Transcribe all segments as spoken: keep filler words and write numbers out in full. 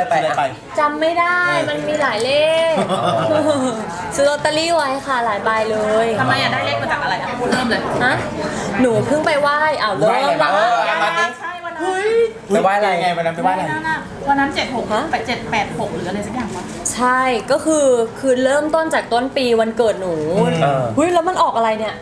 อะไรไปซื้ออะไรไปจำไม่ได้มันมีหลายเลขซื้อลอตเตอรี่ไว้ค่ะหลายใบเลยทำไมอยากได้เลขมาจากอะไรอ่ะเริ่มเลยฮะหนูเพิ่งไปไหว้อ้าวเริ่ไหว้อะไรมบ้างแล้วเออมาดิใช่วันนั้นไปไหว้อะไรไงวันนั้นไปไหว้อะไรวันนั้นอะวันนั้นเจ็ดหกแปดเจ็ดแปดหกหรืออะไรสักอย่างวะใช่ก็คือคือเริ่มต้นจากต้นปีวันเกิดหนูเออเฮ้ยแล้วมันออกอะไรเนี่ย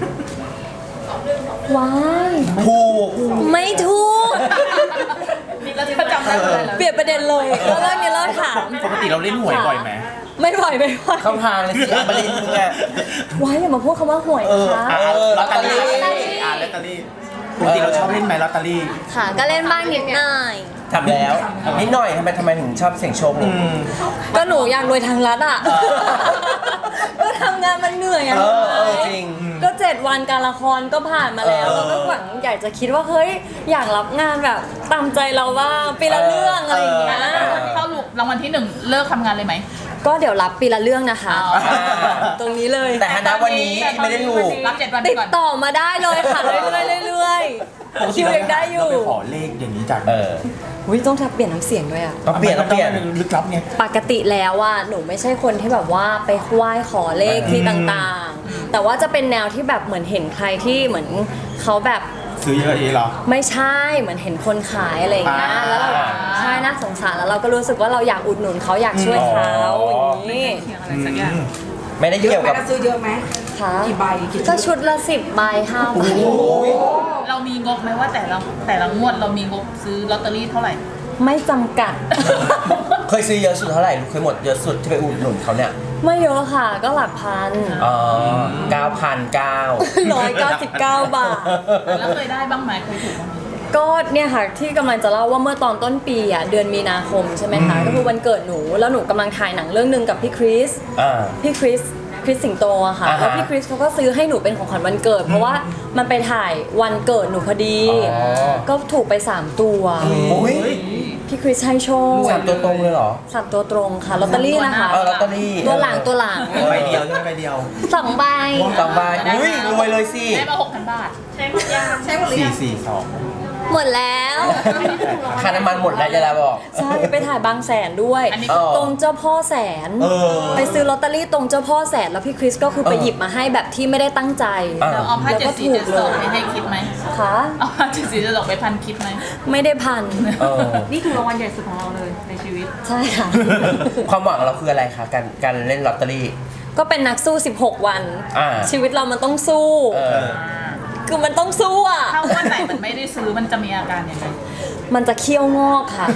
ว้ายถูกไม่ถูกแล้วที่ประจำได้เลยเหรอเปลี่ยนประเด็นเลยแล้วเรื่องนี้เราถามปกติเราเล่นหวยบ่อยไหมไม่ไหวไม่ไหวเข้าทางเลยสิอัมบรินทร์มึงอะว้ายอย่ามาพูดคำว่าหวยเออนะคะอ่ะลอตเตอรี่ลอตเตอรี่อ่าลอตเตอรี่ปกติเราชอบเล่นไหมลอตเตอรี่ค่ะก็เล่นบ้างนิดหน่อยทำแล้วนิดหน่อยทำไมทำไมถึงชอบเสี่ยงโชคอืเนี่ยมก็หนูอยากรวยทางรัฐอ่ะ ก็ทำงานมันเหนื่อยอ่ะเออเออจริงก็เจ็ดวันการละครก็ผ่านมาแล้วเออเราก็หวังอยากจะคิดว่าเฮ้ยอยากรับงานแบบตามใจเราบ้างปีละเรื่องอะไรอย่างเงี้ยเข้าลูกรางวัลที่หนึ่งเลิกทำงานเลยไหมก็เดี๋ยวรับปีละเรื่องนะคะอ๋อตรงนี้เลยแต่ณวันนี้ไม่ได้ถูกรับเจ็ดวันไปติดก่อนต่อมาได้เลยค่ะเรื่อยๆเรื่อยๆคิวยังได้อยู่เราไปขอเลขอย่างนี้จากเอออุ้ยต้องทับเปลี่ยนน้ำเสียงด้วยอ่ะต้องเปลี่ยนต้องเปลี่ยนลึกลับไงปกติแล้วอ่ะหนูไม่ใช่คนที่แบบว่าไปไหว้ขอเลขที่ต่างๆ แต่ว่าจะเป็นแนวที่แบบเหมือนเห็นใครที่เหมือนเขาแบบซื้อเยอะเองเหรอไม่ใช่เหมือนเห็นคนขายอะไรอย่างเงี้ยอ่าแล้วเราใช่น่าสงสารแล้วเราก็รู้สึกว่าเราอยากอุดหนุนเขาอยากช่วยเขาอ๋อออย่างนี้เขียนอะไรสักอย่างไม่ได้เยอะเกี่ยวไหมกับเราซื้อเยอะไหมค่ะกี่ใบกี่ชุดก็ชุดละสิบใบห้าใบเรามีงบไหมว่าแต่ละแต่ละงวดเรามีงบซื้อลอตเตอรี่เท่าไหร่ไม่จำกัดเคยซื้อเยอะสุดเท่าไหร่เคยหมดเยอะสุดที่ไปอุดหนุนเขาเนี่ยไม่เยอะค่ะก็หลักพันอ๋อเก้าพันเก้าร้อยเก้าสิบเก้าบาทแล้วเคยได้บ้างไหมเคยถูกบ้างไหมก็เนี่ยค่ะที่กำลังจะเล่าว่าเมื่อตอนต้นปีอ่ะเดือนมีนาคมใช่ไหมคะก็คือวันเกิดหนูแล้วหนูกำลังถ่ายหนังเรื่องหนึ่งกับพี่คริสอ่าพี่คริสคริสสิงโตอะค่ะอ่าฮะแล้วพี่คริสเขาก็ซื้อให้หนูเป็นของขวัญวันเกิด เพราะว่ามันไปถ่ายวันเกิดหนูพอดีอ๋อก็ถูกไปสามตัวโอ้ยพี่คริสให้โชคสามตัวตรงเลยเหรอสามตัวตรงค่ะลอตเตอรี่นะคะเออลอตเตอรี่ตัวหลังตัวหลังใบเดียวใช่ไหมใบเดียวสองใบสองใบอุ้ยรวยเลยสิได้มาหกพันบาทใช้หมดยังใช้หมดหรือสี่ยังสี่สองหมดแล้วค่าน้ำมันหมดแล้วจะลาบอกใช่ไปถ่ายบางแสนด้วยอันนี้เออตรงเจ้าพ่อแสนเออไปซื้อลอตเตอรี่ตรงเจ้าพ่อแสนแล้วพี่คริสก็คือไปเออหยิบมาให้แบบที่ไม่ได้ตั้งใจอ่ะเราเอาผ้าเจ็ดสีเจ็ดสองไปให้คิดไหมค่ะเอาผ้าเจ็ดสีเจ็ดสองไปพันคิดไหมไม่ได้พันเออนี่คือรางวัลใหญ่สุดของเราเลยในชีวิตใช่ค่ะความหวังเราคืออะไรคะการการเล่นลอตเตอรี่ก็เป็นนักสู้สิบหกวันอ่าชีวิตเรามันต้องสู้เออคือมันต้องสู้อ่ะถ้าวันไหนมันไม่ได้ซื้อมันจะมีอาการยังไงมันจะเคี้ยวงอกค่ะ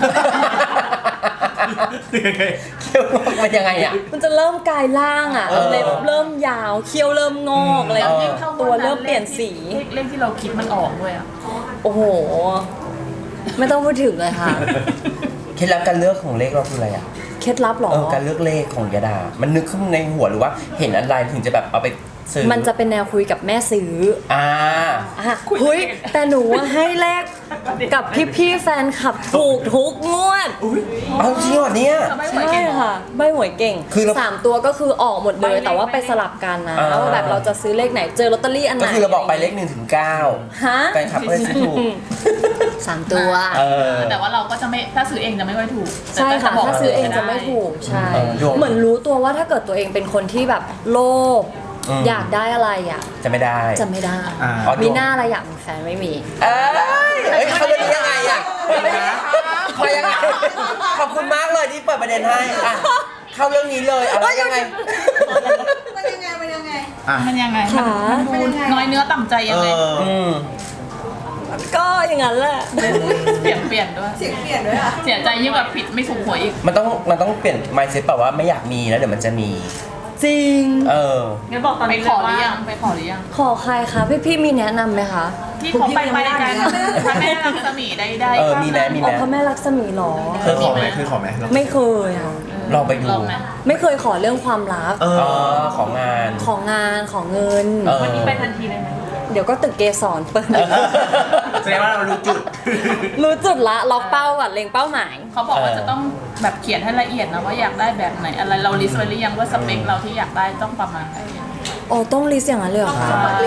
เขี้ยวงอกมันยังไงอ่ะมันจะเริ่มกลายร่างอ่ะเออเล็บเริ่มยาว เคี้ยวเริ่มงอกอะไรอย่างเงี้ยเออตัวเริ่มเปลี่ยนสีเลขเลขที่เราคิดมันออกด้วยอ่ะโอ้โห ไม่ต้องพูดถึงเลยค่ะเคล็ดลับการเลือกของเลขเราคืออะไรอ่ะเคล็ดลับเหรอเออการเลือกเลขของยาดา มันนึกขึ้นในหัวหรือว่าเห็นอะไรถึงจะแบบเอาไปซื้อมันจะเป็นแนวคุยกับแม่ซื้ออ่าอ่ะเฮ้ยแต่หนูอะให้แลกกับพี่ๆแฟนคลับถูกทุกงวดเอาจริงเหรอเนี่ยไม่ไหวใช่เก่งเหรอค่ะใบหวยเก่งคือเราสามตัวก็คือออกหมดเลยแต่ว่าไปสลับกันนะอ่าว่าแบบเราจะซื้อเลขไหนเจอลอตเตอรี่อันไหนก็คือเราบอกไปเลขหนึ่งถึงเก้าฮะแฟนคลับก็เลยซื้อถูกสามตัวเออแต่ว่าเราก็จะไม่ถ้าซื้อเองจะไม่ค่อยถูกใช่ค่ะแต่ถ้าซื้อเองจะไม่ถูกใช่เออดวงเหมือนรู้ตัวว่าถ้าเกิดตัวเองเป็นคนที่แบบโลภอืมอยากได้อะไรอ่ะจะไม่ได้จะไม่ได้อ่าอ๋อมีหน้าอะไรอยากมีแฟนไม่มีเอ้ยเอ้ยเขาเรื่องนี้ยังไงอ่ะมายังไง ขอบคุณมากเลยที่เปิดประเด็นให้อ่ะเข้าเรื่องนี้เลยเอาแล้วยังไงมันยังไงมันยังไงอ่ะมันยังไงค่ะมันดูน้อยเนื้อต่ำใจเอยังไงออืมก็อย่างนั้นแหละเปลี่ยนเปลี่ยนด้วยเสียงเปลี่ยนด้วยอ่ะเสียใจยิ่งกว่าผิดไม่ถูกหวยอีกมันต้องมันต้องเปลี่ยน mindset แบบว่าไม่อยากมีแล้วเดี๋ยวมันจะมีจริงเอองั้นบอกตอนนี้ไปขอหรือยังไปขอหรือยังขอใครคะพี่พี่ๆมีแนะนำไหมคะที่เขาไปไปกันพระแม่รักษมีได้ได้เออมีไหมมีไหอ๋อพระแม่ลักษมีหรอเคยขอไหมเคยขอไหมไม่เคยค่ะลองไปดูลองไหมไม่เคยขอเรื่องความรักเออ๋ออของงานของงานของเงินเออวันนี้ไปทันทีเลยไหมเดี๋ยวก็ตึกเกสรเปิดแสดงว่าเรารู้จุดรู้จุดละล็อกเป้าก่อนเล็งเป้าหมายเขาบอกว่าจะต้องแบบเขียนให้ละเอียดนะว่าอยากได้แบบไหนอะไรเราลิสต์ไว้หรือยังว่าสเปคเราที่อยากได้ต้องประมาณไหนโอ้ต้องลิสต์อย่างนั้นเลยเหรอขอคะบัตรเล็กให้แม่ใ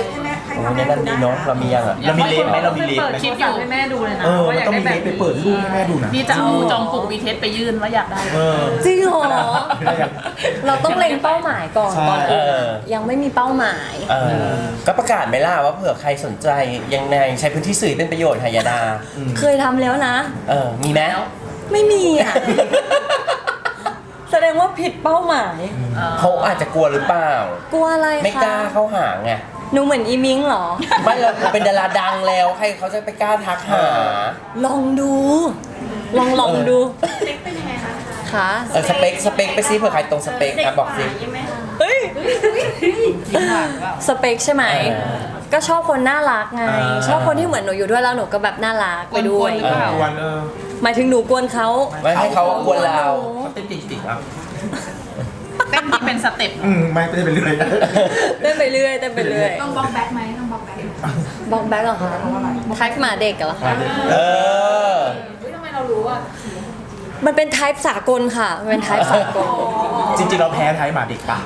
ให้โอ้ทำในนั้นดีเนาะเรามียังอ่ะเรามีเลฟไหมเรามีเลฟเปิดไหมคลิปอยู่ให้แม่ดูเลยนะเออว่ามันอยากต้องได้มีแบเลบฟไปเปิดรูปให้แม่ดูนะนี่จะเอาจองปลุกวีเทสไปยื่นว่าอยากได้เออจริงเหรอได้ยังเราต้องเล็งเป้าหมายก่อนใช่ก่อนเออื่นอยังไม่มีเป้าหมายเออก็ประกาศไหมล่ะว่าเผื่อใครสนใจยังไงใช้พื้นที่สื่อเป็นประโยชน์หายาดาเคยทำแล้วนะเออมีไหมไม่มีอ่ะ แสดงว่าผิดเป้าหมายเขาอาจจะกลัวหรือเปล่ากลัวอะไรคะไม่กล้าเข้าหาไงหนูเหมือนอีมิงเหรอไม่เราเป็นดาราดังแล้วใครเขาจะไปกล้าทักหาลองดู ลองลองดูเล็กเป็นยังไงคะค่ะเออสเปคสเปคไปซิเผื่อใครตรงสเปคอ่ะบอกสิใช่ไหมคะเฮ้ย สเปคใช่ไหมเออก็ชอบคนน่ารักไงอ่าชอบคนที่เหมือนหนูอยู่ด้วยแล้วหนูก็แบบน่ารักไปด้วยกวนๆหรือเปล่าวันเออหมายถึงหนูกวนเขาไม่ให้เขากวนเราเขาเต้นติดๆอ่ะเต้นที่เป็นสเต็ปอืมไม่ไม่ได้เป็นเรื่อยนะเต้นไปเรื่อยเต้นไปเรื่อยต้องบล็อกแบ็คไหมต้องบล็อกแบ็คบอกแบ็คเหรอคะทักหมาเด็กเหรอคะเออเฮ้ยทำไมเรารู้อ่ะมันเป็นไทป์สากลค่ะ มันเป็นไทป์สากลจริงๆเราแพ้ไทยหมาเด็กปะ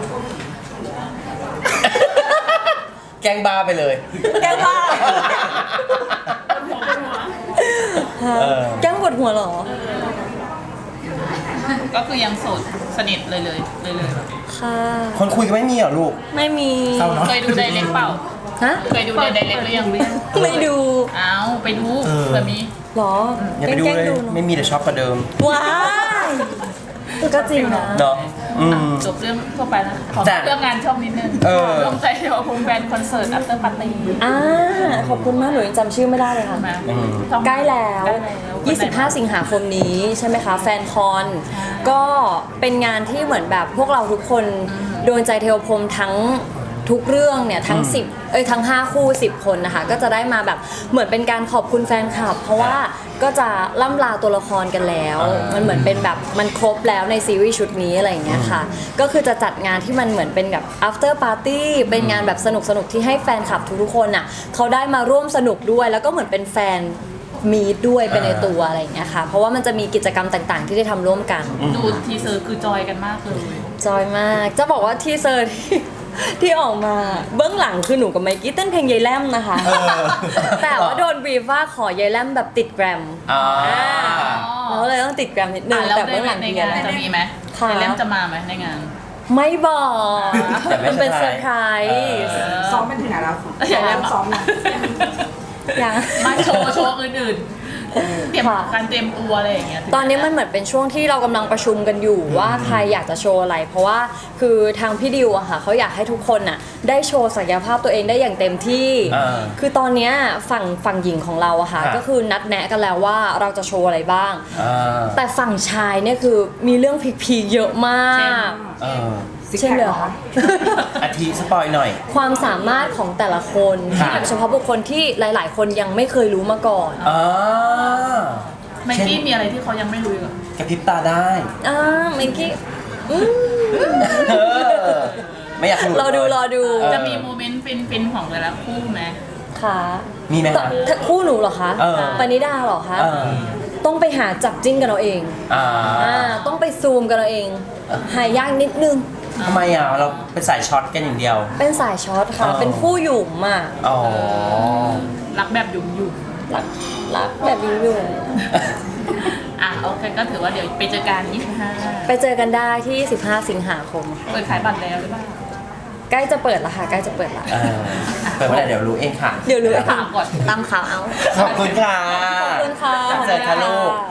แกล้งบ้าไปเลยแกล้งบ้าเออแกล้งปวดหัวเหรอก็คือยังโสดสนิทเลยเลยเลยเลยค่ะคนคุยกันไม่มีเหรอลูกไม่มีเศร้าเนาะเคยดูไดเรกเปล่าฮะเคยดูในไดเรกหรือยังไม่ดูอ้าวไปดูเออเผื่อมีเหรออย่าไปดูแกล้งเลยๆเนไม่อะมีแต่ชอบกว่าเดิมว้ายก็จริงนะเนาะอืมจบเรื่องทั่วไปแล้วขอจ้ะเรื่องงานช่องนิดนึงเออลงใจเดียวพงแบนคอนเสิร์ต after party อ่าขอบคุณมากหนูยังจำชื่อไม่ได้เลยค่ะมาอืมช่องใกล้แล้วใกล้แล้วยี่สิบห้า สิงหาคมนี้ใช่ไหมคะ แฟนคอน ก็เป็นงานที่เหมือนแบบพวกเราทุกคนโดนใจเทวพรหมทั้งทุกเรื่องเนี่ยทั้งสิบเอ้ยทั้งห้าคู่สิบคนนะคะก็จะได้มาแบบเหมือนเป็นการขอบคุณแฟนคลับ เพราะว่าก็จะล่ำลาตัวละครกันแล้วอ่ามัมันเหมือนเป็นแบบมันครบแล้วในซีรีส์ชุดนี้อะไรอย่างเงี้ยค่ะ ก็คือจะจัดงานที่มันเหมือนเป็นแบบ after party เป็นงานแบบสนุกสนุกๆที่ให้แฟนคลับทุกๆคนอ่ะเขาได้มาร่วมสนุกด้วย แล้วก็เหมือนเป็นแฟนมีดด้วยเป็นในตัวอะไรอย่างเงี้ยค่ะ เพราะว่ามันจะมีกิจกรรมต่างๆ ที่ได้ทำร่วมกันดูทีเซอร์คือจอยกันมากเลยจอยมาก จะบอกว่าทีเซอร์ที่ ที่ออกมาเบื้องหลังคือหนูกับไมกี้เต้นเพลงยายแลมนะคะเออแต่ว่าโดนบรีฟว่าขอยายแลมแบบติดแกรมอ่าเราก็เลยต้องติดแกรมนิดนึอ่ะงแล้วแต่ในเบื้องหลังในดีงานอะไรจะมีไหมค่ะในเล่มจะมาไหมในงานไม่บอกแต่ไม่มันเป็นเซเซออร์ร์ไพไพรรส์ส์ซ้อมเป็นถึงไหนแล้วอย่าเล่นซ้อมนะยังมาโชว์โชว์อื่นๆ เตรียมค่ะการเตรียมตัวอะไรอย่างเงี้ยตอนนี้มันเหมือนเป็นช่วงที่เรากำลังประชุมกันอยู่ว่าใครอยากจะโชว์อะไร เพราะว่าคือทางพี่ดิวอะค่ะเขาอยากให้ทุกคนน่ะได้โชว์ศักยภาพตัวเองได้อย่างเต็มที่อ่าคือตอนเนี้ยฝั่งฝั่งหญิงของเราอะค่ะค่ะก็คือนัดแนะกันแล้วว่าเราจะโชว์อะไรบ้างอ่าแต่ฝั่งชายเนี่ยคือมีเรื่องพีคๆเยอะมากเออเช่นเดียวค่ะอาทิสปอยหน่อยความสามารถของแต่ละคนค่ะที่โดยเฉพาะบุคคลที่หลาย ๆ คนยังไม่เคยรู้มาก่อนอ่าไมกี้มีอะไรที่เขายังไม่รู้อีกเหรอกระพริบตาได้อ่าเมื่อกี้อืมเออไม่อยากหลุดรอดูรอดูเออจะมีโมเมนต์ฟินๆของแต่ละคู่ไหมค่ะมีไหมต่อคะถ้าคู่หนูเหรอคะเออปณิดาเหรอคะเออต้องไปหาจับจิ้นกันเอาเองอ่าอ่าต้องไปซูมกันเอาเอง หายากนิดนึงทำไมอ่ะเราเป็นสายช็อตกันอย่างเดียวเป็นสายช็อตค่ะอ๋อเป็นคู่หยุ่มอ่ะอ๋อรักแบบหยุ่มยุ่มรักรักแบบยุ่ยุ่มอ่ะโอเคก็ถือว่าเดี๋ยวไปเจอกันยี่สิบห้าไปเจอกันได้ที่ สิบห้า สิงหาคมค่ะเปิดขายบัตรแล้วหรือเปล่าใกล้จะเปิดละค่ะ ใกล้จะเปิดละเออเปิดเมื่อไหร่เดี๋ยวรู้เองค่ะเดี๋ยวรู้ถามก่อนตามข่าวเอาขอบคุณค่ะขอบคุณค่ะจับเจอค่ะลูก